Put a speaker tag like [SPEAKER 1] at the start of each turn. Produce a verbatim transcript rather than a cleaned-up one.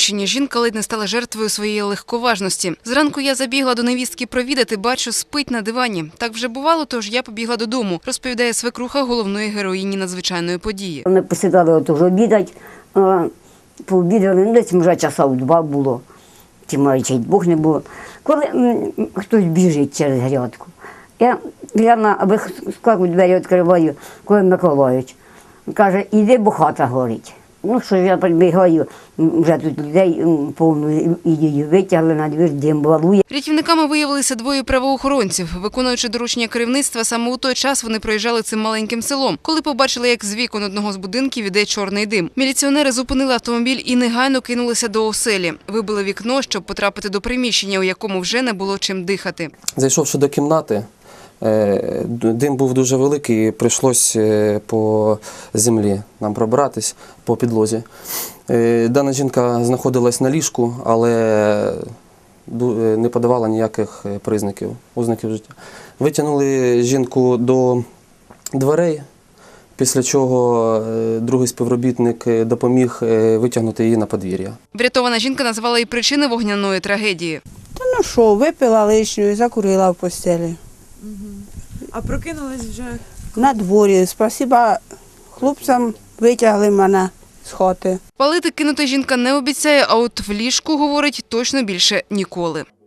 [SPEAKER 1] Хмельниччині жінка ледь не стала жертвою своєї легковажності. Зранку я забігла до невістки провідати, бачу, спить на дивані. Так вже бувало, тож я побігла додому, розповідає свекруха головної героїні надзвичайної події.
[SPEAKER 2] Ми посідали от уже обідати, пообідали, ну, десь вже часа у два було, тим майже й двох не було. Коли м, хтось біжить через грядку, я гляну, аби скаку двері відкриваю, коли Миколаївич каже, іди, бо хата горить. Ну що, я прибігаю, вже тут людей повно, і її витягли на двір, дим балує.
[SPEAKER 1] Рятівниками виявилися двоє правоохоронців. Виконуючи доручення керівництва, саме у той час вони проїжджали цим маленьким селом, коли побачили, як з вікон одного з будинків іде чорний дим. Міліціонери зупинили автомобіль і негайно кинулися до оселі. Вибили вікно, щоб потрапити до приміщення, у якому вже не було чим дихати.
[SPEAKER 3] Зайшовши до кімнати, дим був дуже великий, і прийшлося по землі нам пробратись, по підлозі. Дана жінка знаходилась на ліжку, але не подавала ніяких признаків, ознаків життя. Витягнули жінку до дверей, після чого другий співробітник допоміг витягнути її на подвір'я.
[SPEAKER 1] Врятована жінка назвала і причини вогняної трагедії.
[SPEAKER 4] Та ну що, випила лишню і закурила в постелі.
[SPEAKER 5] Угу. А прокинулись вже?
[SPEAKER 4] На дворі. Спасіба хлопцям, витягли мене з хати.
[SPEAKER 1] Палити кинути жінка не обіцяє, а от в ліжку, говорить, точно більше ніколи.